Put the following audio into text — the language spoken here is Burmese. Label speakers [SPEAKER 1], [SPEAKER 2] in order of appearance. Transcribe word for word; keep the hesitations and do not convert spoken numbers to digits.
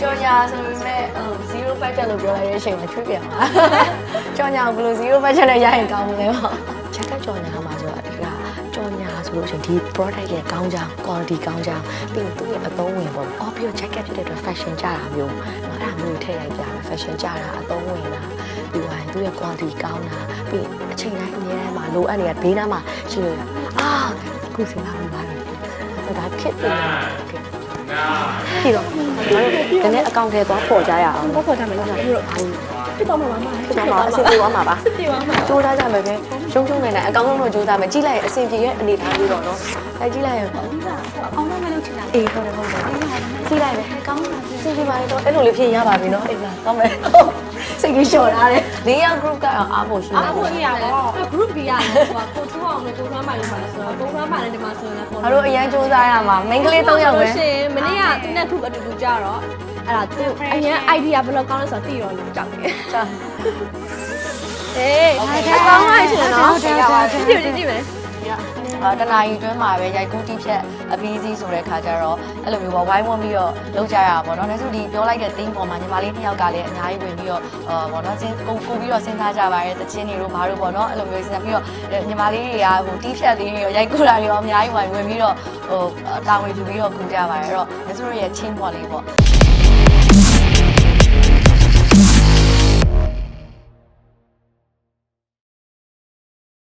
[SPEAKER 1] ကြော်ညာဆိုပေမဲ့zero budget လို့ပြောလိုက်တဲ့အချိန်မှာချွေးပြန်ပါကြော်ညာဘယ်လို zero budget နဲ့ရရင်ကောင်းမလဲပေါ့ချက်တက်ကြော်ညာမှာဆိုတာဒီကကြော်ညာဆိုလို့ရှိရင်ဒီ product ရဲ့ကောင်းကြောင်း quality ကောင်းကြောင်းပြီးသူ့ရဲ့အသုံးဝင်ပေါ့အော်ပြီးတော့ jacket ဖြစ်တဲ့အတွက် fashion ကြတာမျိုးအဲ့ဒါမျိုးထည့်လိုက်ကြတယ် fashion ကြတာအသုံးဝင်တာပြီးသွားရင်သူ့ရဲ့ quality ကောင်းတာပြီးအချိန်တိုင်းအများထဲမှာလိုအပ်နေတဲ့ဘေးနားမှာရှိလို့အာခုစဉ်းစားမိပါတယ်ဒါခစ်တယ်ပြီးတော့ဒီနေ့အကောင့်ထဲသွားပေါ်ကြရအောင်ပေါ်ပေါ်ကြမယ်လို့ပြောပြီးတော့ဖြစ်တော့မှာပါဖြစ်တော့မှာအဆင်ပြေသွားမှာပါပြေသွားမှာကြိုးစားကြမယ်ပဲရှုံးရှုံးနေနိုင်အကောင့်လုံးတော့ကြိုးစားမယ်ကြည့်လိုက်ရင်အဆင်ပြေရဲ့အနေထားလေးတော့နော်အဲကြည့်လိုက်ရင်အောင်းတော့မလုပ်ချင်တာအေးဟုတ်တယ်ဟုတ်တယ်ကြည့်လိုက်ပဲကောင်းတာအဆင်ပြေပါလေတော့အဲ့လိုလေးဖြစ်ရပါပြီနော်အေးလားကောင်းမယ်စိတ်ကြီးလျှော်ထားတယ်လေးယောက် group ကတော့အားဖို့ရှိတယ်
[SPEAKER 2] အားဖို့ရပါတော့ group ကြီးရတယ်ဆိုတာကိုထူအောင်နဲ့ကိုထွန်းမိုင်လို့ပါလဲဆိုတော့ကိုထွန်းမိုင်နဲ့ဒီမှာဆိုရင်လည်း
[SPEAKER 1] ငါတို့အရင်စူးစမ်းရမှာ main ကလေး၃ယောက်ပဲ
[SPEAKER 2] ရှင်မနေ့ကသူနဲ့ group အတူတူကြတော့အဲ့ဒါသူအရင် idea ဘယ်လိုကောင်းလဲဆိုတော့သိရောလို့ကြောက်တယ်ကြောက်အေးအကောင်းပါရှင်နော်ကြည့်ကြည့်ကြည့်မယ်
[SPEAKER 1] အာတနာရီတွင်းမှာပဲရိုက်ကူးတီးဖြတ်အပီးစီးဆိုတဲ့ခါကျတော့အဲ့လိုမျိုးပေါ့ဝိုင်းဝန်းပြီးတော့လုပ်ကြရတာပေါ့နော်ဒါဆိုဒီပြောလိုက်တဲ့ theme ပေါ်မှာညီမလေးနှစ်ယောက်ကလည်းအများကြီးဝင်ပြီးတော့အာပေါ့နော်စဉ်ကိုကိုပြီးတော့စဉ်းစားကြပါရဲ့တချင်းတွေတို့ဘာလို့ပေါ့နော်အဲ့လိုမျိုးစဉ်းစားပြီးတော့ညီမလေးတွေကဟိုတီးဖြတ်လေးတွေရောရိုက်ကူးတာတွေရောအများကြီးဝင်ဝင်ပြီးတော့ဟိုတာဝန်ယူပြီးတော့ကူကြပါရဲ့အဲ့တော့ဒါဆိုရဲ့ချင်းပေါ်လေးပေါ့